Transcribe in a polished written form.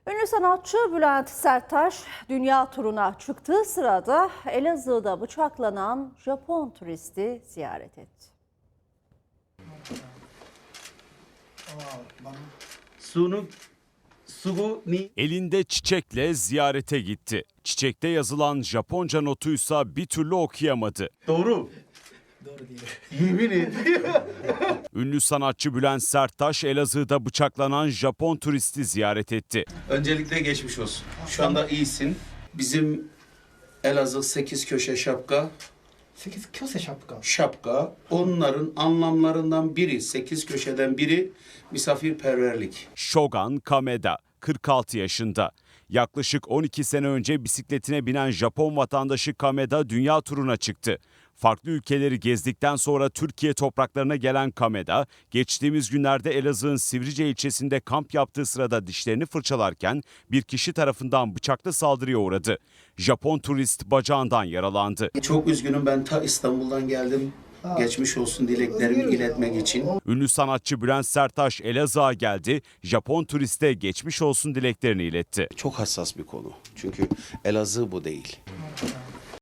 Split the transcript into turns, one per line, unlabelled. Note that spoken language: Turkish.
Ünlü sanatçı Bülent Serttaş dünya turuna çıktığı sırada Elazığ'da bıçaklanan Japon turisti ziyaret etti.
Elinde çiçekle ziyarete gitti. Çiçekte yazılan Japonca notuysa bir türlü okuyamadı.
Doğru.
Doğru değil.
Yemin ediyorum.
Ünlü sanatçı Bülent Serttaş Elazığ'da bıçaklanan Japon turisti ziyaret etti.
Öncelikle geçmiş olsun. Şu anda iyisin. Bizim Elazığ 8 köşe şapka.
8 köşe şapka.
Şapka. Onların anlamlarından biri, 8 köşeden biri misafirperverlik.
Shogun Kameda, 46 yaşında. Yaklaşık 12 sene önce bisikletine binen Japon vatandaşı Kameda dünya turuna çıktı. Farklı ülkeleri gezdikten sonra Türkiye topraklarına gelen Kameda, geçtiğimiz günlerde Elazığ'ın Sivrice ilçesinde kamp yaptığı sırada dişlerini fırçalarken bir kişi tarafından bıçaklı saldırıya uğradı. Japon turist bacağından yaralandı.
Çok üzgünüm, ben ta İstanbul'dan geldim. Geçmiş olsun dileklerimi iletmek için.
Ünlü sanatçı Bülent Serttaş Elazığ'a geldi, Japon turiste geçmiş olsun dileklerini iletti.
Çok hassas bir konu. Çünkü Elazığ bu değil.